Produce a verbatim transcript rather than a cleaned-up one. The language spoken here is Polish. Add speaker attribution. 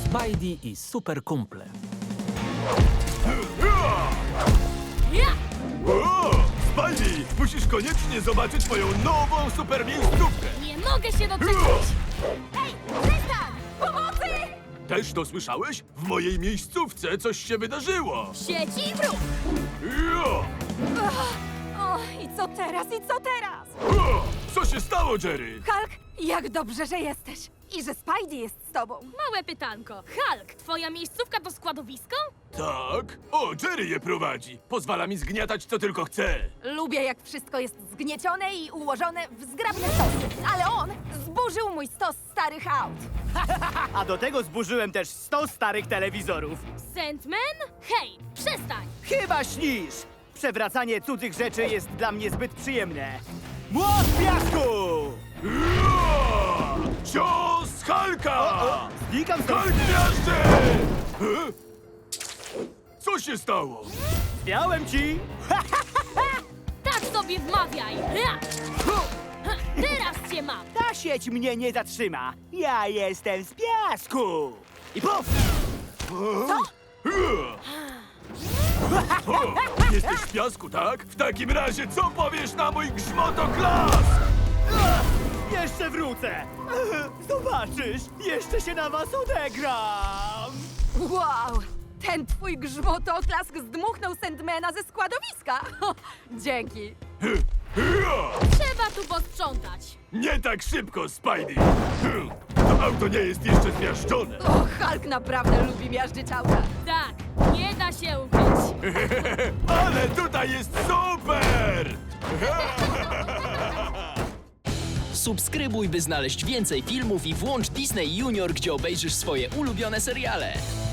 Speaker 1: Spidey i super kumple.
Speaker 2: Ja!
Speaker 3: O, Spidey, musisz koniecznie zobaczyć moją nową super miejscówkę.
Speaker 2: Nie mogę się doczekać! Ej, przestań! Pomocy!
Speaker 3: Też to słyszałeś? W mojej miejscówce coś się wydarzyło.
Speaker 2: Sieci i wróg!
Speaker 3: Jo!
Speaker 4: O, i co teraz, i co teraz?
Speaker 3: O, co się stało, Jerry?
Speaker 4: Hulk, jak dobrze, że jesteś. I że Spidey jest z tobą.
Speaker 2: Małe pytanko. Hulk, twoja miejscówka to składowisko?
Speaker 3: Tak? O, Jerry je prowadzi. Pozwala mi zgniatać co tylko chce.
Speaker 4: Lubię, jak wszystko jest zgniecione i ułożone w zgrabne stosy. Ale on zburzył mój stos starych aut.
Speaker 5: A do tego zburzyłem też sto starych telewizorów.
Speaker 2: Sandman? Hej, przestań!
Speaker 5: Chyba śnisz! Przewracanie cudzych rzeczy jest dla mnie zbyt przyjemne. Młot piasku!
Speaker 3: Jo! Cios Hulka!
Speaker 5: Znikam stąd!
Speaker 3: Hulk miażdży! E? Co się stało?
Speaker 5: Miałem ci!
Speaker 2: Tak sobie wmawiaj! Ja! Ha, teraz cię mam!
Speaker 5: Ta sieć mnie nie zatrzyma. Ja jestem z piasku! I puf!
Speaker 3: O, jesteś w piasku, tak? W takim razie co powiesz na mój grzmotoklask?
Speaker 5: Jeszcze wrócę! Zobaczysz, jeszcze się na was odegram!
Speaker 4: Wow, ten twój grzmotoklask zdmuchnął Sandmana ze składowiska. Dzięki.
Speaker 3: Ja!
Speaker 2: Trzeba tu posprzątać.
Speaker 3: Nie tak szybko, Spidey! Hm, To auto nie jest jeszcze zmiażdżone.
Speaker 4: O, Hulk naprawdę lubi miażdżyć auta.
Speaker 2: Tak, nie da się ukryć.
Speaker 3: Ale tutaj jest super!
Speaker 6: Subskrybuj, by znaleźć więcej filmów i włącz Disney Junior, gdzie obejrzysz swoje ulubione seriale.